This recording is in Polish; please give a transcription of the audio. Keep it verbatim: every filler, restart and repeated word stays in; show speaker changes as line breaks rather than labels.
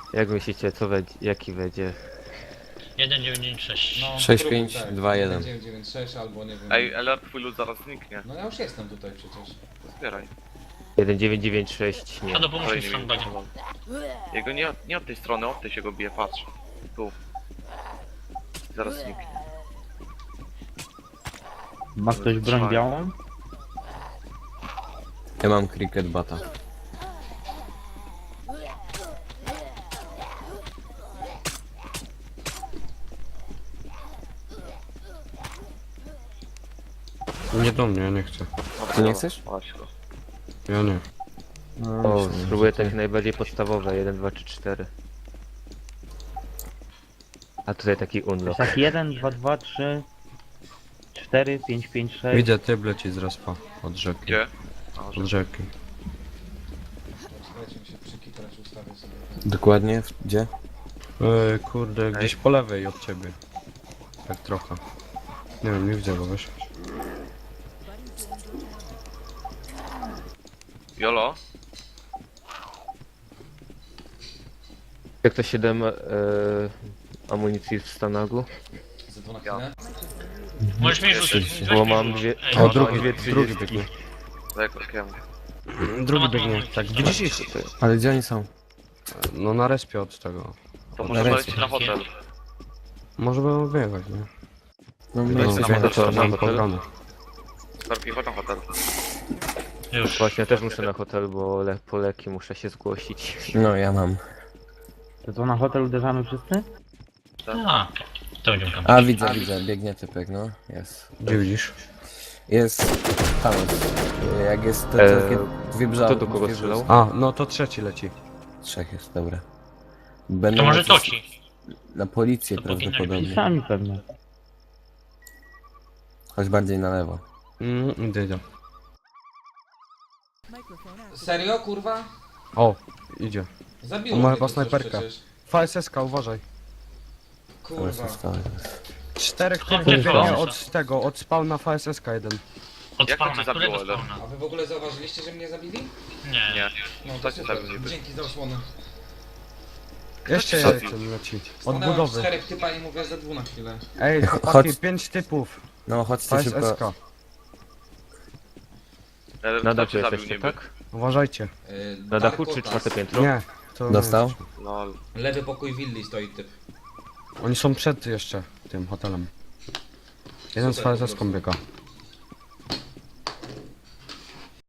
Jak myślicie, co będzie, jaki będzie?
jeden dziewięć dziewięć sześć.
No,
sześć
próbuj,
pięć
tak.
dwa jeden.
dziewięć dziewięć sześć albo nie wiem.
Ej, ale twój lud zaraz zniknie.
No ja już jestem tutaj przecież.
Zbieraj.
jeden dziewięć dziewięć sześć, nie.
A do pomóż mi z
nie
sandbagiem.
Jego nie, od- nie od tej strony, od tej się go bije, patrz. Tu. Zaraz zniknie.
Ma ktoś broń białą?
Ja mam cricket bata.
Nie do mnie, ja nie chcę.
Dobra,
Ty nie
dobra,
chcesz?
Właśnie go.
Ja nie.
No,
O,
myślę,
spróbuję
że
takie
ty-
najbardziej podstawowe, jeden, dwa, trzy, cztery. A tutaj taki unlock.
Tak, jeden, dwa, dwa, trzy, cztery, pięć, pięć, sześć.
Widzę typ leci z respa. Od rzeki.
Gdzie? A,
Od
że...
rzeki.
Słuchajcie, mi się przykitrać ustawię sobie.
Dokładnie, w- gdzie?
Ej, kurde, gdzieś po lewej od ciebie. Tak trochę. Nie wiem, nie widzę go, wiesz?
Jolo?
Jak to siedem e, amunicji w Stanagu?
Za dwa na
Ja.
chwilę.
Możesz mi rzucić.
Oczywiście.
weź
Bo
mi
mam
rzuć.
dwie...
Ej,
O,
mam
drugi,
dwie
drugi
trzydziestki.
biegnie.
Za jakowskiego.
Drugi biegnie. Tak, widzisz ich?
Ale gdzie oni są?
No na respie od tego.
To
Na
może
ręce.
polecieć na hotel.
Może będą wyjechać, nie?
No,
No,
my jesteśmy
na
na
hotel, na
Mam
hotel.
pograne.
Skorpi, chodź na hotel.
Już.
Właśnie, ja też muszę na hotel, bo le po leki muszę się zgłosić.
No, ja mam.
To co, na hotel uderzamy wszyscy?
A, to będziemy tam.
A, widzę, widzę, biegnie typek, no. Jest.
Gdzie widzisz?
Jest... Tam jest. Jak jest te
Eee,
takie dwie brzały...
kto do kogo
dwie
strzelał?
brzały-
A, no to trzeci leci.
Trzech jest, dobra. Będą
To może
lecieć
toci.
Na policję
To powinno
prawdopodobnie.
Sami pewnie.
Chodź bardziej na lewo.
Mm, idę, idę.
Serio, kurwa?
O, idzie.
Zabiło
On ma
mnie
chyba
to coś
snajperkę.
przecież.
V S S K, uważaj.
To
Kurwa.
jest stałe.
Czterech
Skąd
typów
ty
biegnie
wiesz?
od tego, od spawna V S S K jeden.
Od
Jak to
spawna,
cię zabiło,
którego
ale-
spawna?
A wy w ogóle zauważyliście, że mnie zabili?
Nie.
Nie.
No
To
to
cię
super.
zabił niby.
Dzięki za osłonę.
Jeszcze
Co?
jeden leci. Od
Stanęłam
budowy.
czterech typa i mówię za dwu na chwilę.
Ej,
Ch-
chłopaki,
chodź.
pięć typów.
No, chodźcie szybko.
V S S K.
Ale
Na
kto
dachu
cię zabił
jesteście,
niby?
tak?
Uważajcie.
Yy,
Na dachu czy
Darkotas.
czwarte piętro?
Nie. To
Dostał?
Lol.
Lewy pokój willi stoi typ.
Oni są przed jeszcze tym hotelem. Jeden z
Super,
V S S
po
K
prostu.
biega.